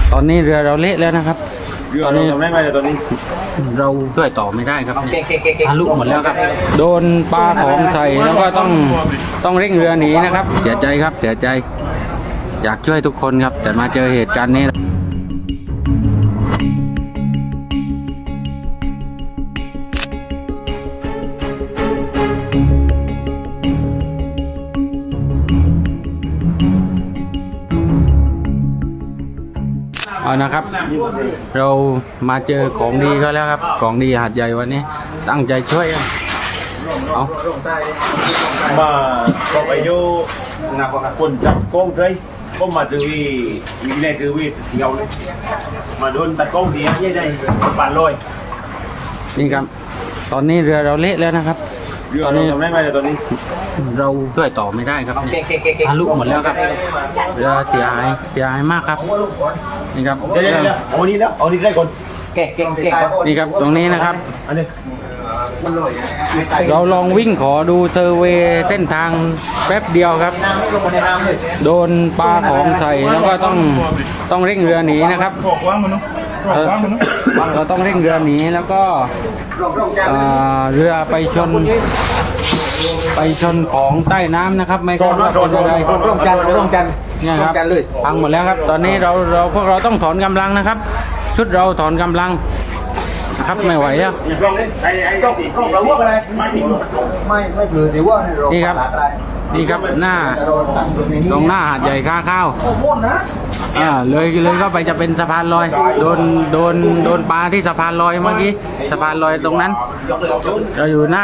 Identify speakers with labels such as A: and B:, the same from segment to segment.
A: ตอนนี้เรือเราเละแล้วนะครับตอนนี้
B: ทำได้ไหมตอนนี้
A: เราช่วยต่อไม่ได้ครับทะลุหมดแล้วครับโดนปลาของใส่แล้วก็ต้องเร่งเรือหนีนะครับเสียใจครับเสียใจอยากช่วยทุกคนครับแต่มาเจอเหตุการณ์นี้เอานะครับเรามาเจอของดีก็แล้วครับของดีหาดใหญ่วันนี้ตั้งใจช่วยกันเอา
B: มาก็ไปอยู่คนจับกล้องเลยก็มาถือวีมีแรงถือวีเที่ยวเลยมาโดนตัดกล้องดียังได้ปั่นลอย
A: นี่ครับตอนนี้เรือเราเละแล้วนะครับ
B: ตอนนี้ทำได้ไหมตอนนี้
A: เราช่วยต่อไม่ได้ครับทะลุหมดแล้วครับเรือเสียหายมากครับนี่ครับ
B: เดี๋ยวเอานี้แล้วเอานี้ได้ก่อน
C: เก่ง
A: นี่ครับตรงนี้นะครับ
B: อันนี้
A: เราลองวิ่งขอดูเซอร์เวย์เส้นทางแป๊บเดียวครับโดนปลาของใส่แล้วก็ต้องเร่งเรือหนีนะครับเราต้องเร่งเรือหนีแล้วก็เรือไปชนของใต้น้ำนะครับไม่ทราบว่าเป็นอะไร
C: ร่วมกัน
A: เนี่ยครับพังหมดแล้วครับตอนนี้พวกเราต้องถอนกำลังนะครับชุดเราถอนกำลังนะครับไม่ไหวแล้ว
C: ไม่เปลือยแต่ว่า
A: นี่ครับหน้าตรงหน้าหาดใหญ่ค่าข้าวเลยเข้าไปจะเป็นสะพานลอยโดนปลาที่สะพานลอยเมื่อกี้สะพานลอยตรงนั้นเราอยู่หน้า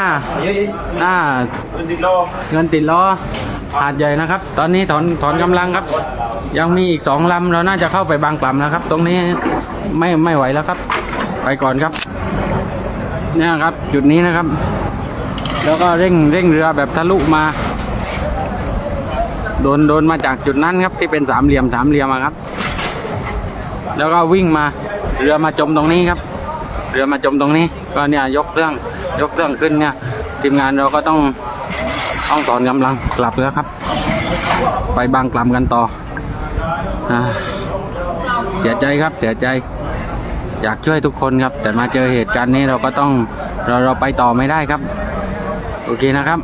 A: เงินติดล้อหาดใหญ่นะครับตอนนี้ถอนกำลังครับยังมีอีก2 ลำเราน่าจะเข้าไปบางกล่ำนะครับตรงนี้ไม่ไหวแล้วครับไปก่อนครับเนี่ยครับจุดนี้นะครับแล้วก็เร่งเรือแบบทะลุมาโดนมาจากจุดนั้นครับที่เป็นสามเหลี่ยมครับแล้วก็วิ่งมาเรือมาจมตรงนี้ครับเรือมาจมตรงนี้ก็เนี่ยยกเครื่องขึ้นเนี่ยทีมงานเราก็ต้องถอนกำลังกลับแล้วครับไปบางกล่ำกันต่อเสียใจครับเสียใจอยากช่วยทุกคนครับแต่มาเจอเหตุการณ์นี้เราก็ต้องเราไปต่อไม่ได้ครับโอเคนะครับ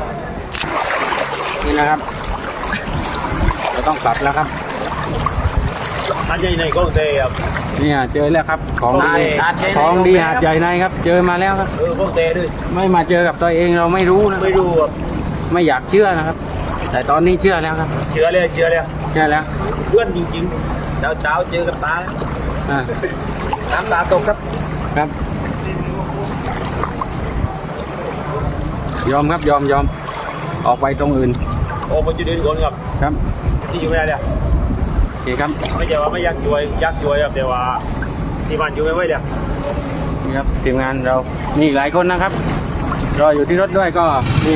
A: นี่นะครับเราต้องกลับแล้วครับ
B: หาดใหญ่ในกล้องเตะครับ
A: เนี่ยเจอแล้วครับของดีหาดใหญ่ในครับเจอมาแล้วครับ
B: กล้องเตะด้วย
A: ไม่มาเจอกับตัวเองเราไม่รู้นะไม่อยากเชื่อนะครับแต่ตอนนี้เชื่อแล้วครับ
B: เชื่อแล้วเพื่อนจริง
C: ๆเช้าเจอกับตาน้ำตาตก
A: ครับยอมออกไปตรงอื่น
B: ออกไปจุดอื่นก่อน
A: ครับ
B: ที่อยู่ไม่ได้เลย
A: โอเคครับ
B: ไม่ใช่ว่าไม่อยากช่วยครับแต่ว่าที่บ้านอยู่ไม่ไหวเลย
A: นี่ครับทีมงานเรามีหลายคนนะครับรออยู่ที่รถด้วยก็มี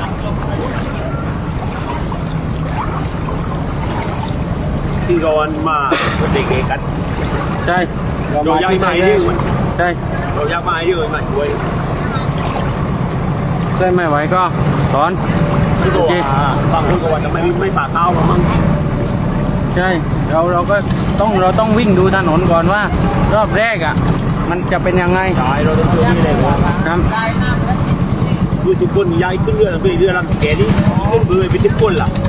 B: ที่ก่อนมาเด็กกัน
A: ใช่
B: เราอยากมาให้ด้วย
A: ใช่
B: เราอยากมาให้ด้วยมาช่วย
A: ไม่ไหวก็ถอน
B: โอเคบางคนก็ว่าจะไม่ปากเท้ามั้ง
A: ใช่เราก็ต้องวิ่งดูถนนก่อนว่ารอบแรกมันจะเป็นยังไง
B: ใช่เราต้องช่วยนี่เลย
A: ครับ
B: คือทุกคนย้ายขึ้นเรือลำแกนี่ขึ้นเรือไปทุกคนล่ะ